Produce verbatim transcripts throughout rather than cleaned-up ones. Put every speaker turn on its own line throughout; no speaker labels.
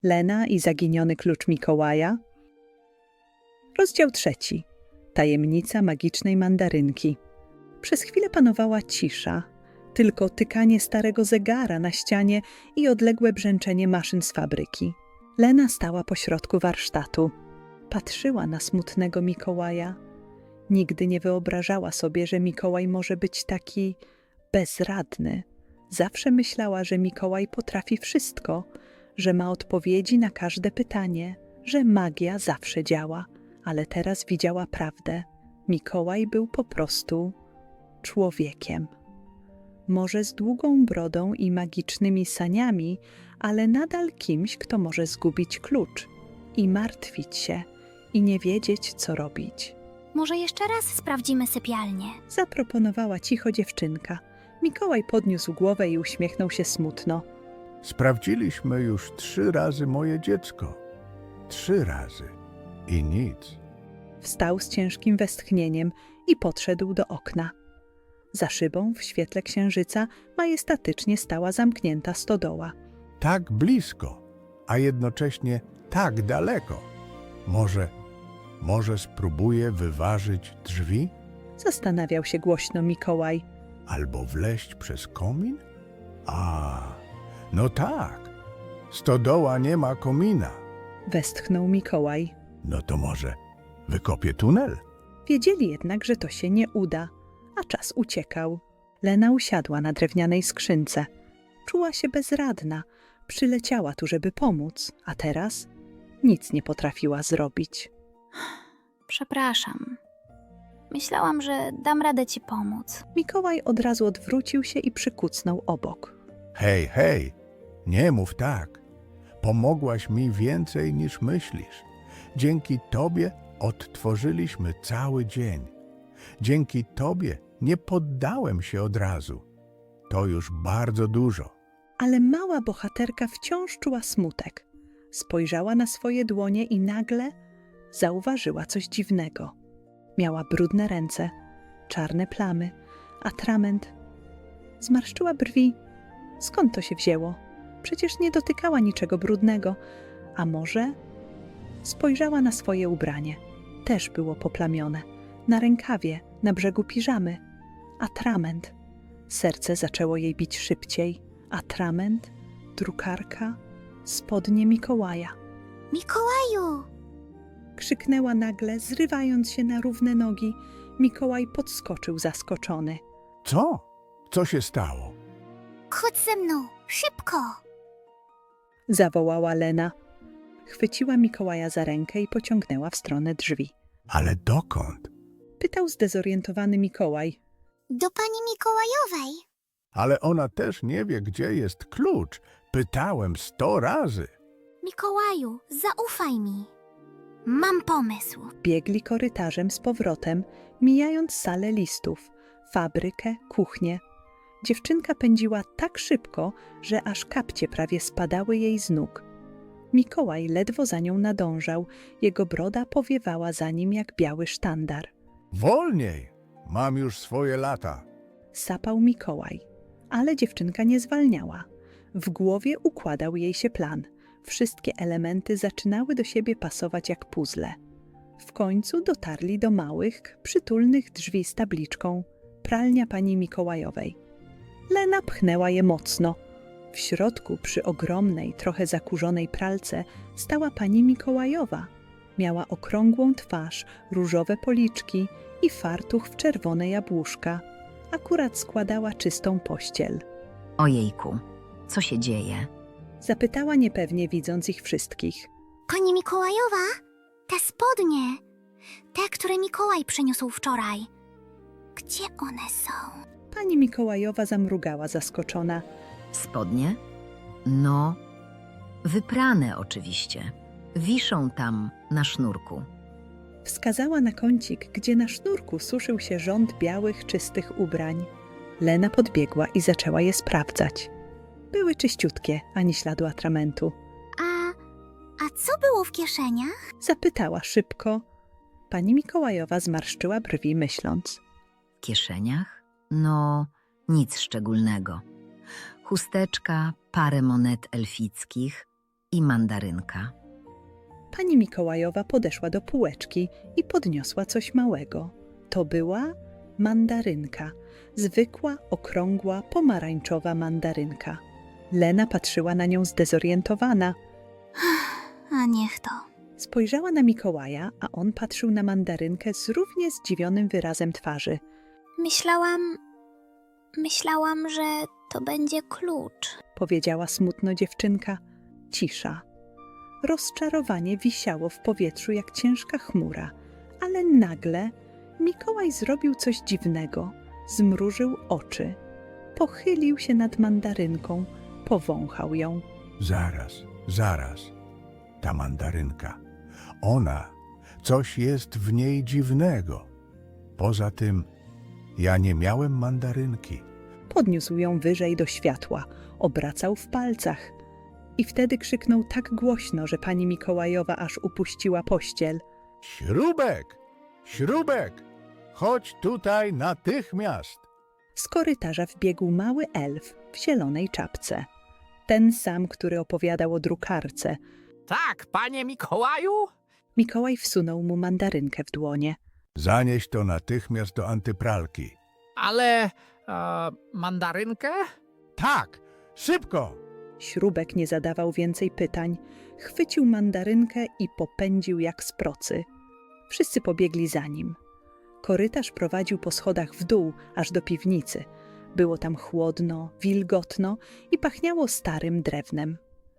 Lena i zaginiony klucz Mikołaja. Rozdział trzeci. Tajemnica magicznej mandarynki. Przez chwilę panowała cisza, tylko tykanie starego zegara na ścianie i odległe brzęczenie maszyn z fabryki. Lena stała pośrodku warsztatu. Patrzyła na smutnego Mikołaja. Nigdy nie wyobrażała sobie, że Mikołaj może być taki bezradny. Zawsze myślała, że Mikołaj potrafi wszystko, że ma odpowiedzi na każde pytanie, że magia zawsze działa, ale teraz widziała prawdę. Mikołaj był po prostu człowiekiem. Może z długą brodą i magicznymi saniami, ale nadal kimś, kto może zgubić klucz i martwić się i nie wiedzieć, co robić.
Może jeszcze raz sprawdzimy sypialnię.
Zaproponowała cicho dziewczynka. Mikołaj podniósł głowę i uśmiechnął się smutno.
Sprawdziliśmy już trzy razy moje dziecko. Trzy razy. I nic.
Wstał z ciężkim westchnieniem i podszedł do okna. Za szybą, w świetle księżyca, majestatycznie stała zamknięta stodoła.
Tak blisko, a jednocześnie tak daleko. Może, może spróbuję wyważyć drzwi?
Zastanawiał się głośno Mikołaj.
Albo wleźć przez komin? A, no tak. Stodoła nie ma komina.
Westchnął Mikołaj.
No to może wykopię tunel?
Wiedzieli jednak, że to się nie uda, a czas uciekał. Lena usiadła na drewnianej skrzynce. Czuła się bezradna. Przyleciała tu, żeby pomóc, a teraz nic nie potrafiła zrobić.
Przepraszam. Myślałam, że dam radę ci pomóc.
Mikołaj od razu odwrócił się i przykucnął obok.
Hej, hej, nie mów tak. Pomogłaś mi więcej niż myślisz. Dzięki tobie odtworzyliśmy cały dzień. Dzięki tobie nie poddałem się od razu. To już bardzo dużo.
Ale mała bohaterka wciąż czuła smutek. Spojrzała na swoje dłonie i nagle zauważyła coś dziwnego. Miała brudne ręce, czarne plamy, atrament. Zmarszczyła brwi. Skąd to się wzięło? Przecież nie dotykała niczego brudnego. A może? Spojrzała na swoje ubranie. Też było poplamione. Na rękawie, na brzegu piżamy. Atrament. Serce zaczęło jej bić szybciej. Atrament, drukarka, spodnie Mikołaja.
Mikołaju!
Krzyknęła nagle, zrywając się na równe nogi. Mikołaj podskoczył zaskoczony.
Co? Co się stało?
Chodź ze mną, szybko!
Zawołała Lena. Chwyciła Mikołaja za rękę i pociągnęła w stronę drzwi.
Ale dokąd?
Pytał zdezorientowany Mikołaj.
Do pani Mikołajowej.
Ale ona też nie wie, gdzie jest klucz. Pytałem sto razy.
Mikołaju, zaufaj mi. Mam pomysł.
Biegli korytarzem z powrotem, mijając salę listów, fabrykę, kuchnię. Dziewczynka pędziła tak szybko, że aż kapcie prawie spadały jej z nóg. Mikołaj ledwo za nią nadążał, jego broda powiewała za nim jak biały sztandar.
Wolniej! Mam już swoje lata.
Sapał Mikołaj, ale dziewczynka nie zwalniała. W głowie układał jej się plan. Wszystkie elementy zaczynały do siebie pasować jak puzzle. W końcu dotarli do małych, przytulnych drzwi z tabliczką pralnia pani Mikołajowej. Lena pchnęła je mocno. W środku, przy ogromnej, trochę zakurzonej pralce, stała pani Mikołajowa. Miała okrągłą twarz, różowe policzki i fartuch w czerwone jabłuszka. Akurat składała czystą pościel.
Ojejku, co się dzieje?
Zapytała niepewnie, widząc ich wszystkich.
Pani Mikołajowa, te spodnie, te, które Mikołaj przyniósł wczoraj. Gdzie one są?
Pani Mikołajowa zamrugała zaskoczona.
Spodnie? No, wyprane oczywiście. Wiszą tam na sznurku.
Wskazała na kącik, gdzie na sznurku suszył się rząd białych, czystych ubrań. Lena podbiegła i zaczęła je sprawdzać. Były czyściutkie, ani śladu atramentu.
A, a co było w kieszeniach?
Zapytała szybko. Pani Mikołajowa zmarszczyła brwi, myśląc.
W kieszeniach? No, nic szczególnego. Chusteczka, parę monet elfickich, i mandarynka.
Pani Mikołajowa podeszła do półeczki i podniosła coś małego. To była mandarynka. Zwykła, okrągła, pomarańczowa mandarynka. Lena patrzyła na nią zdezorientowana.
A niech to.
Spojrzała na Mikołaja, a on patrzył na mandarynkę z równie zdziwionym wyrazem twarzy.
Myślałam... Myślałam, że to będzie klucz.
Powiedziała smutno dziewczynka. Cisza. Rozczarowanie wisiało w powietrzu jak ciężka chmura, ale nagle Mikołaj zrobił coś dziwnego. Zmrużył oczy. Pochylił się nad mandarynką, powąchał ją.
Zaraz, zaraz. Ta mandarynka. Ona, coś jest w niej dziwnego. Poza tym, ja nie miałem mandarynki.
Podniósł ją wyżej do światła, obracał w palcach. I wtedy krzyknął tak głośno, że pani Mikołajowa aż upuściła pościel.
Śrubek! Śrubek! Chodź tutaj natychmiast!
Z korytarza wbiegł mały elf w zielonej czapce. Ten sam, który opowiadał o drukarce.
Tak, panie Mikołaju?
Mikołaj wsunął mu mandarynkę w dłonie.
Zanieś to natychmiast do antypralki.
Ale... E, mandarynkę?
Tak! Szybko!
Śrubek nie zadawał więcej pytań. Chwycił mandarynkę i popędził jak z procy. Wszyscy pobiegli za nim. Korytarz prowadził po schodach w dół, aż do piwnicy. Było tam chłodno, wilgotno i pachniało starym drewnem.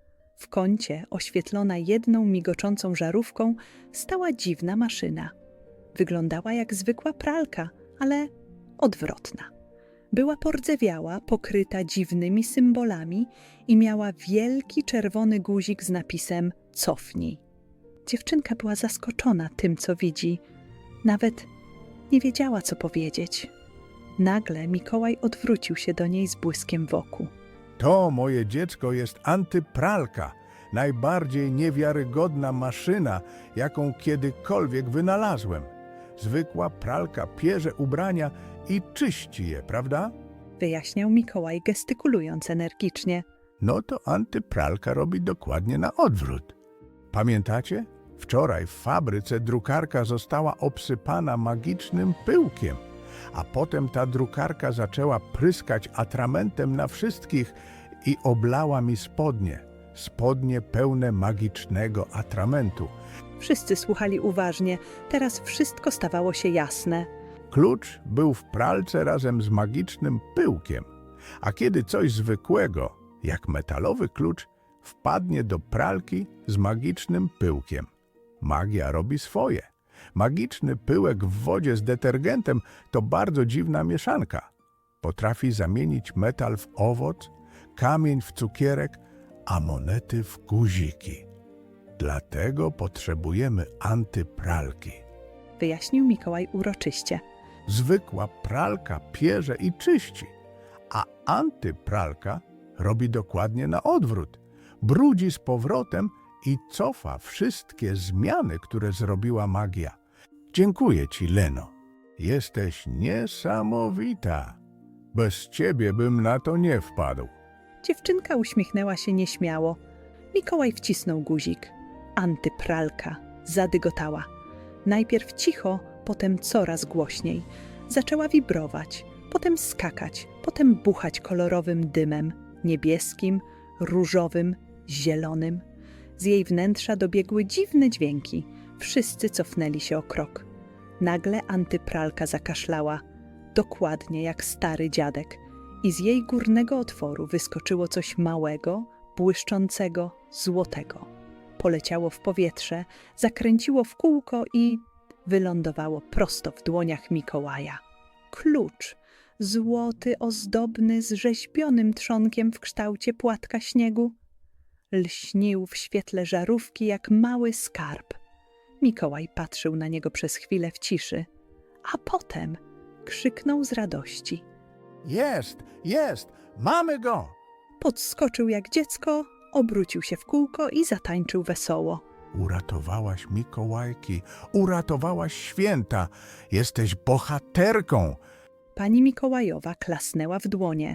W kącie, oświetlona jedną migoczącą żarówką, stała dziwna maszyna. Wyglądała jak zwykła pralka, ale odwrotna. Była pordzewiała, pokryta dziwnymi symbolami i miała wielki czerwony guzik z napisem „Cofnij”. Dziewczynka była zaskoczona tym, co widzi. Nawet nie wiedziała, co powiedzieć. Nagle Mikołaj odwrócił się do niej z błyskiem w oku.
To, moje dziecko, jest antypralka. Najbardziej niewiarygodna maszyna, jaką kiedykolwiek wynalazłem. Zwykła pralka pierze ubrania i czyści je, prawda?
Wyjaśniał Mikołaj, gestykulując energicznie.
No to antypralka robi dokładnie na odwrót. Pamiętacie? Wczoraj w fabryce drukarka została obsypana magicznym pyłkiem, a potem ta drukarka zaczęła pryskać atramentem na wszystkich i oblała mi spodnie. Spodnie pełne magicznego atramentu.
Wszyscy słuchali uważnie. Teraz wszystko stawało się jasne.
Klucz był w pralce razem z magicznym pyłkiem, a kiedy coś zwykłego, jak metalowy klucz, wpadnie do pralki z magicznym pyłkiem, magia robi swoje. Magiczny pyłek w wodzie z detergentem to bardzo dziwna mieszanka. Potrafi zamienić metal w owoc, kamień w cukierek, a monety w guziki. Dlatego potrzebujemy antypralki.
Wyjaśnił Mikołaj uroczyście.
Zwykła pralka pierze i czyści, a antypralka robi dokładnie na odwrót. Brudzi z powrotem i cofa wszystkie zmiany, które zrobiła magia. Dziękuję ci, Leno. Jesteś niesamowita. Bez ciebie bym na to nie wpadł.
Dziewczynka uśmiechnęła się nieśmiało. Mikołaj wcisnął guzik. Antypralka zadygotała. Najpierw cicho, potem coraz głośniej. Zaczęła wibrować, potem skakać, potem buchać kolorowym dymem, niebieskim, różowym, zielonym. Z jej wnętrza dobiegły dziwne dźwięki. Wszyscy cofnęli się o krok. Nagle antypralka zakaszlała, dokładnie jak stary dziadek, i z jej górnego otworu wyskoczyło coś małego, błyszczącego, złotego. Poleciało w powietrze, zakręciło w kółko i wylądowało prosto w dłoniach Mikołaja. Klucz, złoty, ozdobny, z rzeźbionym trzonkiem w kształcie płatka śniegu, lśnił w świetle żarówki jak mały skarb. Mikołaj patrzył na niego przez chwilę w ciszy, a potem krzyknął z radości.
Jest, jest, mamy go!
Podskoczył jak dziecko, obrócił się w kółko i zatańczył wesoło.
Uratowałaś Mikołajki, uratowałaś święta, jesteś bohaterką.
Pani Mikołajowa klasnęła w dłonie.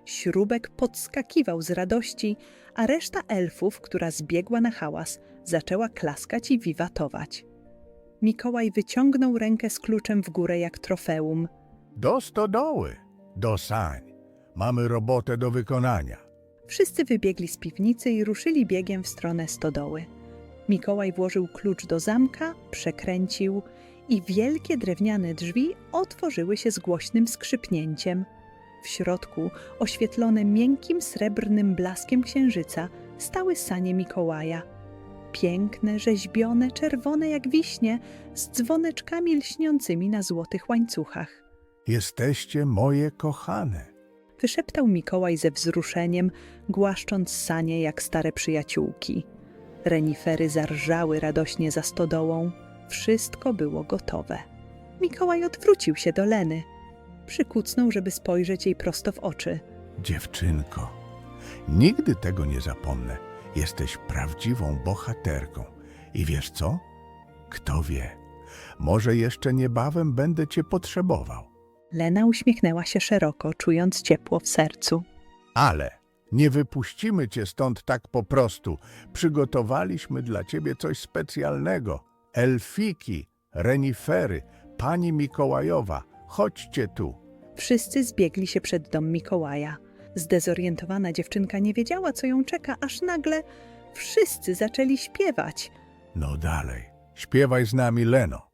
Śrubek podskakiwał z radości, a reszta elfów, która zbiegła na hałas, zaczęła klaskać i wiwatować. Mikołaj wyciągnął rękę z kluczem w górę jak trofeum.
Do stodoły, do sań. Mamy robotę do wykonania.
Wszyscy wybiegli z piwnicy i ruszyli biegiem w stronę stodoły. Mikołaj włożył klucz do zamka, przekręcił i wielkie drewniane drzwi otworzyły się z głośnym skrzypnięciem. W środku, oświetlone miękkim srebrnym blaskiem księżyca, stały sanie Mikołaja. Piękne, rzeźbione, czerwone jak wiśnie, z dzwoneczkami lśniącymi na złotych łańcuchach.
Jesteście moje kochane.
Wyszeptał Mikołaj ze wzruszeniem, głaszcząc sanie jak stare przyjaciółki. Renifery zarżały radośnie za stodołą. Wszystko było gotowe. Mikołaj odwrócił się do Leny. Przykucnął, żeby spojrzeć jej prosto w oczy.
Dziewczynko, nigdy tego nie zapomnę. Jesteś prawdziwą bohaterką. I wiesz co? Kto wie, może jeszcze niebawem będę cię potrzebował.
Lena uśmiechnęła się szeroko, czując ciepło w sercu.
Ale nie wypuścimy cię stąd tak po prostu. Przygotowaliśmy dla ciebie coś specjalnego. Elfiki, renifery, pani Mikołajowa, chodźcie tu.
Wszyscy zbiegli się przed dom Mikołaja. Zdezorientowana dziewczynka nie wiedziała, co ją czeka, aż nagle wszyscy zaczęli śpiewać.
No dalej, śpiewaj z nami, Leno.